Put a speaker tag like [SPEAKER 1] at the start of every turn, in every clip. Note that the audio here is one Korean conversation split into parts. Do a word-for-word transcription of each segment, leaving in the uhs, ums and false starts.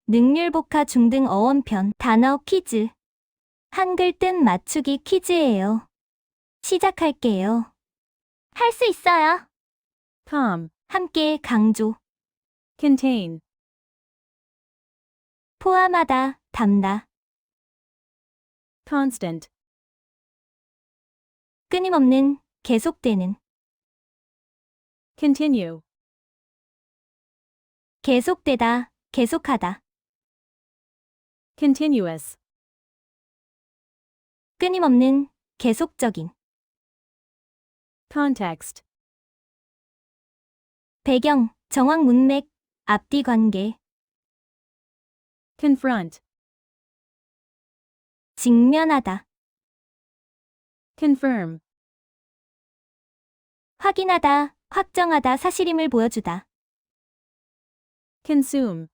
[SPEAKER 1] 능률복화 중등 어원편 단어 퀴즈. 한글 뜻 맞추기 퀴즈예요. 시작할게요. 할 수 있어요.
[SPEAKER 2] calm,
[SPEAKER 1] 함께 강조.
[SPEAKER 2] contain,
[SPEAKER 1] 포함하다, 담다.
[SPEAKER 2] constant,
[SPEAKER 1] 끊임없는, 계속되는.
[SPEAKER 2] continue,
[SPEAKER 1] 계속되다, 계속하다.
[SPEAKER 2] continuous,
[SPEAKER 1] 끊임없는, 계속적인.
[SPEAKER 2] context,
[SPEAKER 1] 배경, 정황 문맥, 앞뒤 관계.
[SPEAKER 2] confront,
[SPEAKER 1] 직면하다,
[SPEAKER 2] confirm,
[SPEAKER 1] 확인하다, 확정하다, 사실임을 보여주다.
[SPEAKER 2] consume,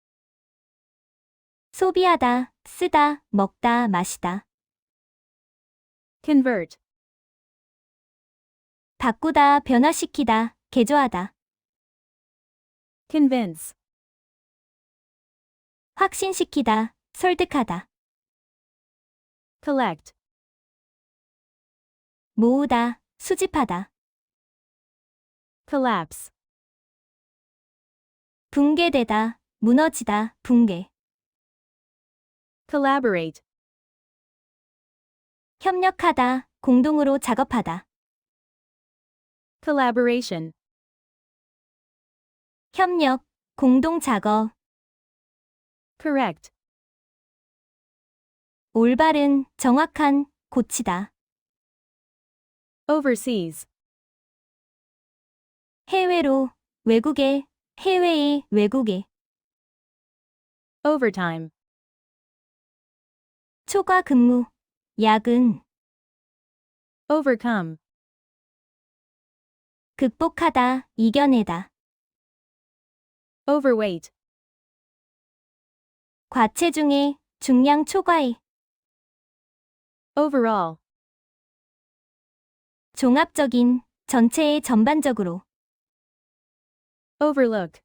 [SPEAKER 1] 소비하다, 쓰다, 먹다, 마시다.
[SPEAKER 2] convert,
[SPEAKER 1] 바꾸다, 변화시키다, 개조하다.
[SPEAKER 2] convince,
[SPEAKER 1] 확신시키다, 설득하다.
[SPEAKER 2] collect,
[SPEAKER 1] 모으다, 수집하다.
[SPEAKER 2] collapse,
[SPEAKER 1] 붕괴되다, 무너지다, 붕괴.
[SPEAKER 2] collaborate,
[SPEAKER 1] 협력하다, 공동으로 작업하다.
[SPEAKER 2] collaboration,
[SPEAKER 1] 협력, 공동 작업.
[SPEAKER 2] correct,
[SPEAKER 1] 올바른, 정확한, 고치다.
[SPEAKER 2] overseas,
[SPEAKER 1] 해외로, 외국에, 해외의, 외국에.
[SPEAKER 2] overtime,
[SPEAKER 1] 초과 근무, 야근.
[SPEAKER 2] overcome,
[SPEAKER 1] 극복하다, 이겨내다.
[SPEAKER 2] overweight,
[SPEAKER 1] 과체중에, 중량 초과에.
[SPEAKER 2] overall,
[SPEAKER 1] 종합적인, 전체의 전반적으로.
[SPEAKER 2] overlook,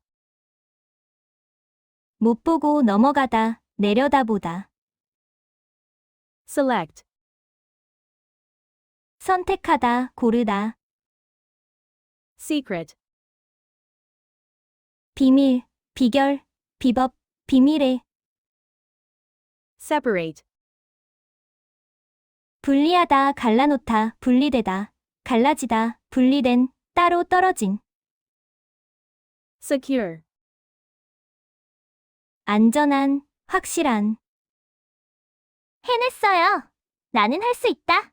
[SPEAKER 1] 못 보고 넘어가다, 내려다보다.
[SPEAKER 2] select,
[SPEAKER 1] 선택하다, 고르다.
[SPEAKER 2] secret,
[SPEAKER 1] 비밀, 비결, 비법, 비밀의.
[SPEAKER 2] separate,
[SPEAKER 1] 분리하다, 갈라놓다, 분리되다, 갈라지다, 분리된, 따로 떨어진.
[SPEAKER 2] secure,
[SPEAKER 1] 안전한, 확실한. 해냈어요. 나는 할 수 있다.